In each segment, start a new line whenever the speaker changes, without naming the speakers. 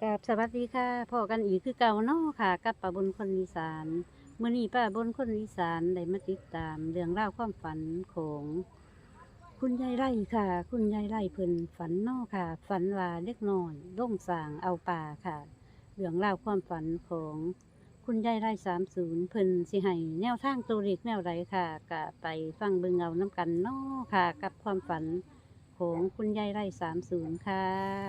กับสวัสดีค่ะพ่อกันอีกคือเก่าเนาะค่ะกับป้าบนคนอีสานมื้อนี้ป้าบนคนอีสานได้มาติดตามเรื่องราวความฝันของคุณยายไร่ค่ะ คุณยายไร่เพิ่นฝันเนาะค่ะ ฝันว่าเล็กน้อยล่งสางเอาป่าค่ะเรื่องราวความฝันของคุณยายไร่30เพิ่นสิให้แนวทางตัวเลขแนวใดค่ะก็ไปฟังเบิ่งเอาน้ำกันเนาะค่ะ กับความฝันของคุณยายไร่30ค่ะ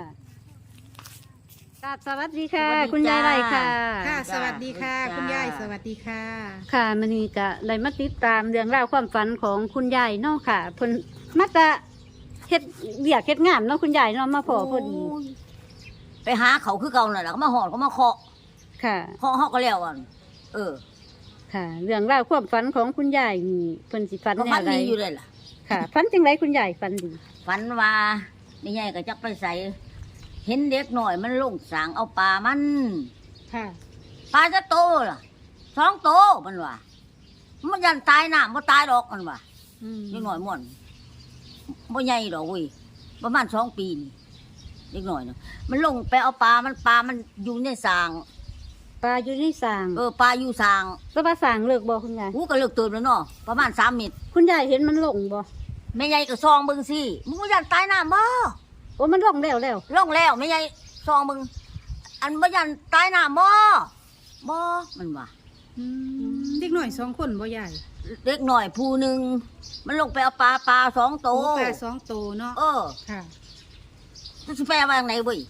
กับสวัสดีค่ะ
สวัสดี
คุณยาย
จ้า
ไรค่ะ
ค่ะ
จ้า
สวัสดีค่ะ
จ้า
คุณยายสวัสดีค่ะ
ค่ะมันนี่ก็ได้มาติดตามเรื่องราวความฝันของคุณยายเนาะค่ะเพิ่นมาจะเฮ็ดเบียกเฮ็ดงานเนาะคุณยายเนาะมาพอพอดี
โยไปหาเขาคือเก่าน่ะแหละก็มาหอนก็มาเคาะ
ค่ะ
เคาะเฮาก็แล้วอ่ะเออ
ค่ะ เรื่องราวความฝันของคุณยายนี่เพิ่นสิฝัน
ก็
แน
ฝั
วน ใด
ดีอยู่เลยล่ะ
ค่ะฝันจังไรคุณยายฝันดี
ฝันว่าไม่ใหญ่ก็จักไปใส่เห็นเด็กหน่อยมันลงสางเอาปลามัน
ค่ะ
ปลาจะโตล่ะ2 โตมันว่ามันยันตายน้ำบ่ตายดอกมันว่า
อืม
เด็กหน่อยม่วนบ่ใหญ่ดอกเว้ยประมาณ2 ปีนี่เด็กหน่อยน่ะมันลงไปเอาปลามันอยู่ในสาง
ปลาอยู่ในสาง
ปลาอยู่สาง
แล้วปลาสางเลิกบ่คุณยาย
กูก็เลิกตื่นแล้วเนาะประมาณ3 เมตร
คุณยายเห็นมันลงบ่
แม่ใหญ่ก็ซองเบิ่งสิมึงบ่ยันตายน้ำบ่
โอ้มันลงแล้ว
ลงแล้วแม่ใหญ่ซองเบิ่งอันบ่ยันตายน้ำบ่มันว่า
อืมเด็กหน่อย2 คนบ่ยาย
เด็กหน่อยผู้หนึงมันลงไปเอาปลา2 โต
ปลา2 โตเนาะ ค่ะ
จะสิแปลว่าจังไดเว้ย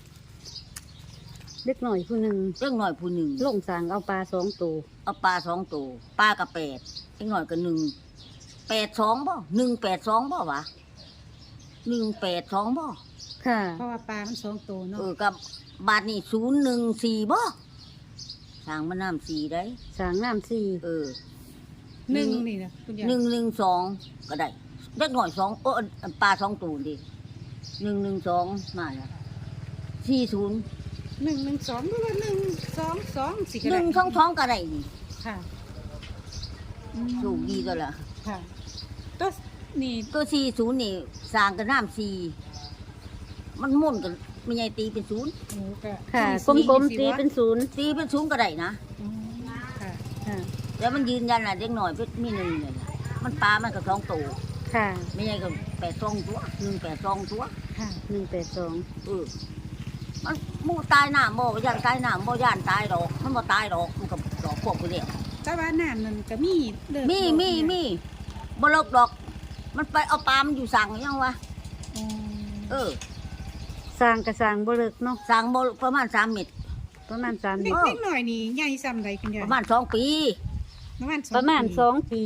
เล็กหน่อยผู้หนึง
เด็กหน่อยผู้หนึง
ลงสางเอาปลา2ตัว
เอาปลา2 โตปลาก็8เด็กหน่อยก็1 8 2บ่182บ่วะ182บ่
ค่ะ
เพราะว่าปลามัน2 โตเนาะ
กับบาทนี่014บ่สร้างมันน้ำ4ได้
สางน้ำสี่
หนึ่งนี่นะคุณยาย
112ก็ได้เด็กหน่อย2ปลา2 ตัวดิ112มาแล้ว40
112หรือว่า122สิก็ได้
122ก็ได้นี่
ค่ะ
สูงดีตัวละ
ค่ะก็นี่
ตัว40นี่สร้างกันน้ำ4มันมุ่นกันไม่ใหญ่ตีเป็น0
หมูก็
ค่ะกลมๆตีเป็นศูนย์
ตีเป็น0ก็ได้นะ
อืมค่ะ
ค่ะ
แต่มันยืนยันน่ะเด็กหน่อยเป็นมี1เลยล่ะมันปลามันก็2 ตัว
ค่ะ
ไม่ใหญ่ก็82 ตัว182 ตัว
ค่ะ
182
มันมูตายหน้าบ่ย่านตายหน้าบ่ย่านตายดอกมันบ่ตายดอกมันก็ดอกพวกกูเนี่ย
แต่ว่าน้ำมันก็มีเลิก
มีบ่เลิกดอก มันไปเอาปลามันอยู่สั่งยังวะ
อ๋อ
เออ
สร้างกระสร้างบ่เลิกเนาะ
สั่งบ่ประมาณ3 เมตร
ประมาณ3เดื
เด็
อก น
เด็กหน่อยนี่ใหญ่ซ้ำใดคุณยาย
ประมาณ2 ปี
ประมาณ
ประมาณ
2
2 ปี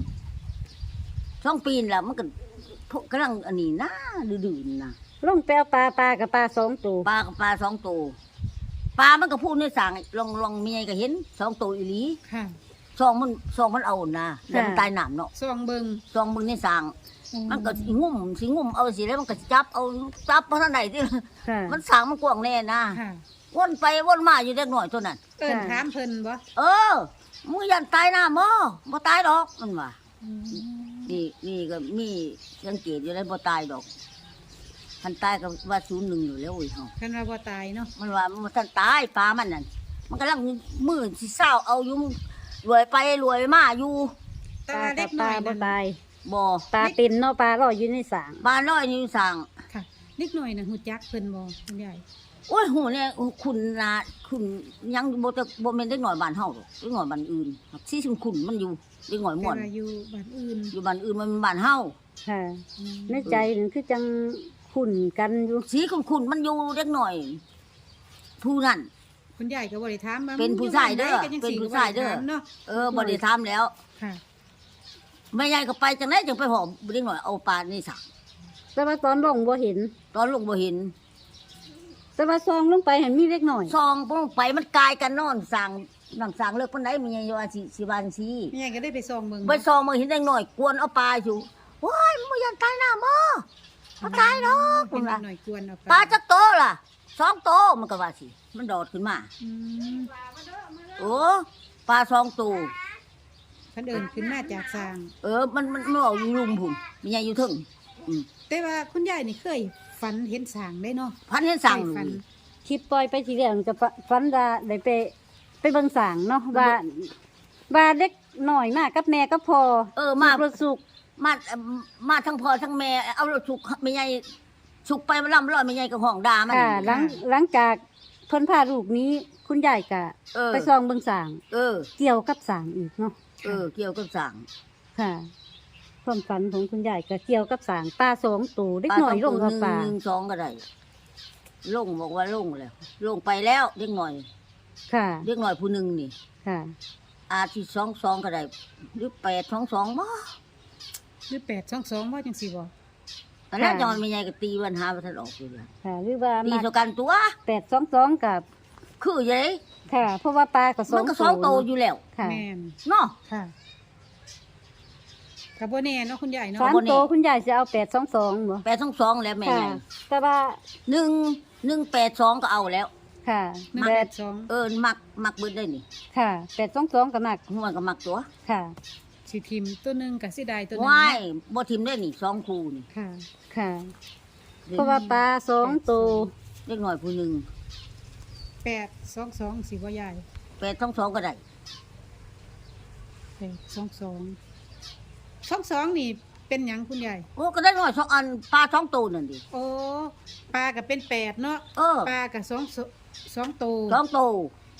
2 ปีนั่นล่ะมันก็พวกกำลังอันนี้นะดื้อๆนะ
ลงไปเอาปลากับปลา2ตัว
ปลากับปลา2 ตัวปลามันก็พูดในสั่งลองมีไงก็เห็น2 ตัวอีหลี
ค่ะ
ซองมันเอานะแล้วมันตายน้ำเนาะ
ซองเบิง
ซองมึงในสั่งมันก็สิงุ่มเอาสิแล้วมันก็สิจับเพราะท่านใดที่
ค่ะ
มันสั่งมันกว้างแน่นะ
ค่ะ
วนไปวนมาอยู่เด็กหน่อยตัวนั้น
เอิ้นถามเพิ่นบ่
เออมึงยันตายหน้าบ่ตายดอกมันว่านี่ก็มีสังเกตอยู่ได้บ่ตายดอกท่านตายก็ว่า01อยู่แล้วโอ้ยเฮา
คันว่าบ่ตายเนาะ
มันว่ามันท่านตายปลามันนั่นมันกำลังมือสิเศร้าเอาอยู่รวยไปรวยมาอยู่
แต่
ปลา
ว่า
กั
เด็
บ
ก
ป
น้
ลา
อย
บ่
นั่น
ตาย
บ่
ปลาตินเนาะปลาลอยอยู่ในสาง
บ้านร้อยนี่สั่ง
ค่ะเด็กน้อยน่ะฮู้จักเพิ่นบ่คุณยาย
โอ้ยหูเนี่ยคุณนะคุณยังบ่แม่นเด็กหน่อยบ้านเฮาหรอกเด็กหน่อยบ้านอื่นสิคุณมันอยู่เด็กหน่อย
แต่
ม่วน
ว่าอยู่บ้านอื่น
อยู่บ้านอื่นมันเป็นบ้านเฮา
ค่ะ
อืม
ในใจนั่นคือจังขุ่นกันอยู่
สีคุณมันอยู่เด็กหน่อย ผู้นั้น
คุณยายก็บ่ได้ถามว่า
เป็นผู้ชายเด้อ
มัยู่บ้นใก็ง
เป็นผู้ชายเด้อ
ก็บ่ไถมเนาะ
บ่ได้ถามแล้ว
ค่ะ
แม่ยายก็ไปจังได๋จังไปหอมเด็กหน่อยเอาปลานี่สัก
แต่ว่าตอนลงบ่เห็น
ตอนลงบ่เห็น
แต่ว่าซองลงไปเห็นมีเล็กหน่อย
ซองลงไปมันกลายกันนอนสั่งนั่งสั่งเลิกปานใดแม่ยายว่าสิว่าจังซี่
แม่ก็ได้ไปซองเบิ่ง
ไปซองมาเห็นเด็กหน่อยกวนเอาปลาอยู่โอ้ยมึงบ่ยันตายหน้าบ่ตายดอก
เป็น
ว่า
หน่อยกวนเอา
ปลาจักโตล่ะ2 โตมันก็ว่าสิมันโดดขึ้นมา
อืม
โอ้ปลา2 ตัว
เพิ่นเอิ้นขึ้นมาจากสร้าง
มันเอาอยู่ลุมพุ่นแม่ยายอยู่เทึง
แต่ว่าคุณยายนี่เคยฝันเห็นสร้างได้เนาะ
พันเห็นสั่ง
เคยฝัน
คคลิปปล่อยไปทีเดียวมันก็ฝันว่าได้ไปเบิ่งสางเนาะว่าเด็กหน่อยมากกับแม่ก็พอ
มา
รถสุก
มาทั้งพ่อทั้งแม่เอารถสุกไม่ใหญ่สุกไปมันล่ำร้อยไม่ใหญ่กับห้องด่ามัน
ค่ะหลังจากเพิ่นพาลูกนี้คุณยายก็ไปซองเบิ่งสาง เกี่ยวกับสางอีกเนาะ
เกี่ยวกับสั่ง
ค่ะความฝันของคุณยายก็เกี่ยวกับสางปลา2ตัวเด็กหน่อยลงกับปลา
1 2ก็ได้ลงบอกว่าลงแล้วลงไปแล้วเด็กหน่อย
ค่ะ
เด็กหน่อยผู้หนึงนี่
ค่ะ
อาทิ2 2ก็ได้หรือ8 2 2บ่
หรือ822ว่าจังซี่บ่
ตอนแรกจอนไม่ใหญ่ก็ตีวันหาบ่ทันออกอยู่แล้ว
ค่ะหรือว่า
ตี
มา
เท่ากันตัว
822กับ
คืออยู่เลย
ค่ะ เพราะว่าปลาก็2
มันก็2โตวอยู่แล้ว
ค่ะ
แม่น
เนาะ
ค่ะก็บ่แน่เนาะคุณยายเนาะ
สามตัวคุณยายจะเอา822บ่
8 2 2แล้วแม่
ค่ะ
ใหญ่
แต่ว่า
1 8 2ก็เอาแล้ว
ค่ะ
182
มักเบิดได้นี่
ค่ะ822กับมัก
หัวก็มักตัว
ค่ะ
สิทิมตัวหนึงกับสิได้ตัวหนึง
ว้าย
เนาะ
บ่ทิมได้นี่2คู่นี่
ค่ะ
ค่ะ เพราะว่าปลา2ตัว
เล็กหน่อยผู้หนึง
822สิบ่ยาย
8 2 2ก็ได้
822นี่เป็นหยังคุณยาย
โอ้ก็ได้หน่อย2อันปลา2ตัวนั่นดิ
โอ้ปลาก็เป็น8เนาะ ปลาก็2ตัว
2ตัว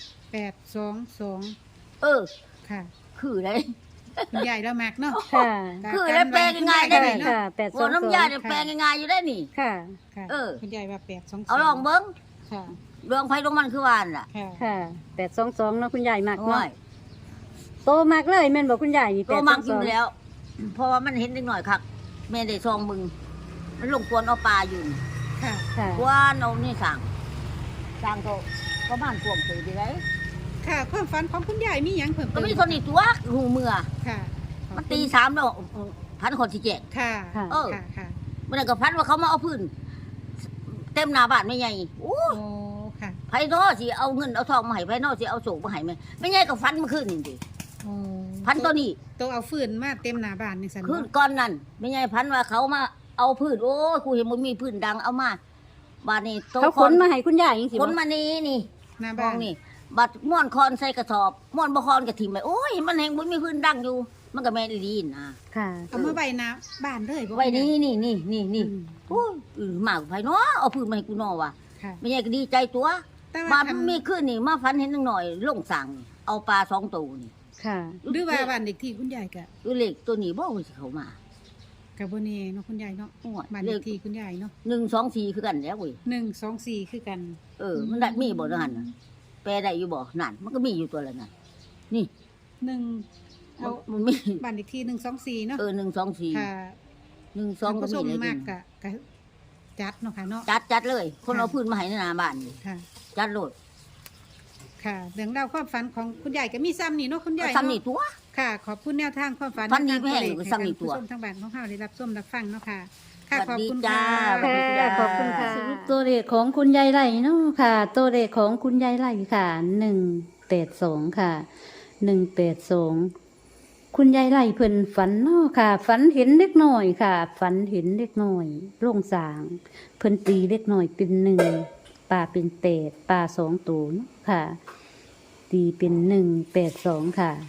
822 ค่ะ
คือได้
คุณยายแล้วมักเนาะ
ค่ะ
คือได้แปลงง่ายๆได้
ค่ะ
นี่
ค่ะ
บ่น้ำยาได้
822
แปลงง่ายๆอยู่ได้นี่
ค่ะ
ค่ะ คุณยายว่า822
เอาลองเบิ่ง
ค่ะ
เรื่องไผลงมันคือว่านล่ะ
ค่ะ
ค่ะ822เนาะคุณยายมัก
โอ้
เนาะ
ย
โตมักเลยแม่นบ่คุณยายนี่
ตัวมักอยู่
822
แล้ว เพราะว่ามันเห็นเล็กหน่อยคักแม่ได้ซองมึงมันลงกวนเอาปลาอยู่นี่
ค่ะ
ค่ะ
กวนเอานี่สั่งก็ประมาณท่วมถือดีได้
ค่ะความฝันของคุณยายมีหยังเพิ่ม
ก็
เติม
มีคนอีกตัวหูเมื่อ
ค่ะ
มันตี3แล้วพันคนสิแจก
ค่ะ
ค่ะ
เออ
ค่ะค่ะ
มันนนก็พันว่าเขามาเอาพื้นเต็มหน้าบ้านไม่ใหญ่โอ้
โอ้ค่ะ
ไผนอสิเอาเงินเอาทองมาให้ไผนอสิเอาโศกมาให้ไม่ใหญ่ก็ฟันเมื่อคืนนี่ดิ
โอ้
พันตัวนี้
ตัวเอาฟืนมาเต็มหน้าบ้านนี่ซั่น
คืน
เนาะ
ก้อนนั่นไม่ใหญ่พันว่าเขามาเอาพื้นโอ้ยกูเห็นมันมีพื้นดังเอามาบาดนี้โต
เขาขนมาให้คุณยายจังซี่
ข
บ่
นมานี่
หน้า
ข
บ้า
อน งนี่บัดม่วนคอนใส่กระสอบม่วนบ่คอนก็ถิ่มไปโอ้ยมันแหงบ่มีพื้นดังอยู่ มันก็แม่นอีหลีนะ
ค่ะ
เอามาไว้หน้าบ้านเลยบ่
ไว้นี่นี่
อืม
โอ้ยมากไผเนาะเอาพื้นมาให้กูเนาะว่ะ
ค่ะ
ไม่ใหญ่ก็ดีใจตัว
แต่
บา
ว่า
ดมันมีขึ้นนี่มาฝันเห็นหน่อยลงสั่งนี่เอาปลา2ตัวนี่
ค่ะ
หรือว่าบ้านเด็กที่คุณยายก็
ดูเลขตัวนี้บ่ว่าสิเข้ามา
ก็บ่แน่เนาะคุณยายเนาะ
โอ้ย
บ้าน
เล
เด็
ข
กที่คุณยายเนาะ
1 2 4คือกันแล้วเว้ย
124คือกัน
มันได้มีบ่นั่นน่ะแปลได้อยู่บ่นั่นมันก็มีอยู่ตัวละนั่นนี่
1เอา
มันมี
บ้านเด็กที่124เนาะ
1 2 4
ค่ะ
1 2ก็
ผู้ช
มี
ม
เลย
มากก็จัดเนาะค่ะเนาะ
จัดเลย คนเอาพื้นมาให้ในหน้าบ้านนี่
ค่ะ
จัดโลด
ค่ะเรื่องราวความฝันของคุณยายก็มีซ้ำนี่เนาะคุณยาย
ซ้ำนี่
เนาะ
ตัว
ค่ะ ขอบคุณแนวทางความฝัน
ฝันดีแม่ง
ให้
ซ้ำนี่ตัว
ผู้ชมทางบ้านของเฮาได้รับชมรับฟังเนาะค่ะ ค่ะ
สวั
ขอบ
สดี
คุณ
จ้า
ค่ะ
ค่ะขอบคุณค่ะสรุปตัวเลขของคุณยายไร่เนาะค่ะ ตัวเลขของคุณยายไร่ค่ะ182ค่ะ182คุณยายไร่เพิ่นฝันเนาะค่ะ ฝันเห็นเล็กน้อยค่ะ ฝันเห็นเล็กน้อยโล่งสาง เพิ่นตีเล็กน้อยเป็น1ปลาเป็น8ปลา2ตัวเนาะค่ะ ตีเป็น182ค่ะ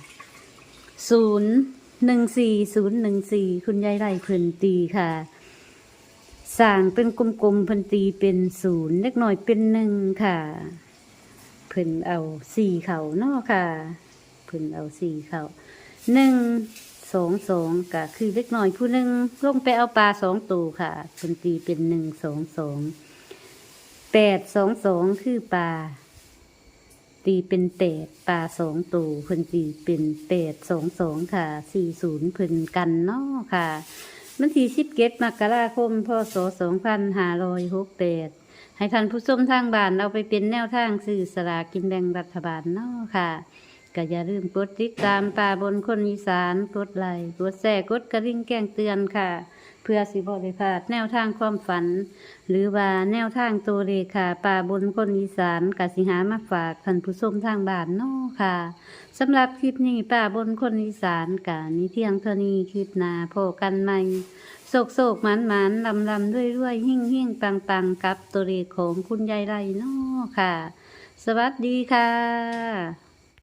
014014คุณยายไร่เพิ่นตีค่ะ สร้างเป็นกลมๆเพิ่นตีเป็น0เล็กน้อยเป็น1ค่ะ เพิ่นเอา4เขาเนาะค่ะ เพิ่นเอา4เขา122ก็คือเล็กน้อยผู้หนึงลงไปเอาปลา2ตัวค่ะเพิ่นตีเป็น122 822คือปลาตีเป็น8ปลา2ตัวเพิ่นตีเป็น822ค่ะ40เพิ่นกันเนาะค่ะ วันที่17 มกราคม พศ 2568 ให้ท่านผู้ชมทางบ้านเอาไปเป็นแนวทางซื้อสลากกินแบ่งรัฐบาลเนาะค่ะก็อย่าลืมกดติดตามป่าบนคนอีสานกดไลค์กดแชร์กดกระดิ่งแจ้งเตือนค่ะ เพื่อสิบ่ได้พลาดแนวทางความฝัน หรือว่าแนวทางตัวเลขค่ะป่าบนคนอีสานกสิหามาฝากท่านผู้ชมทางบ้านเนาะค่ะสำหรับคลิปนี้ป่าบนคนอีสานกะนี้เที่ยงเท่านี้คลิปหน้าพบกันใหม่โศกหมานลำด้วยหิ่งปังกับตัวเลขของคุณยายไรเนาะะค่ะ สวัสดีค่ะ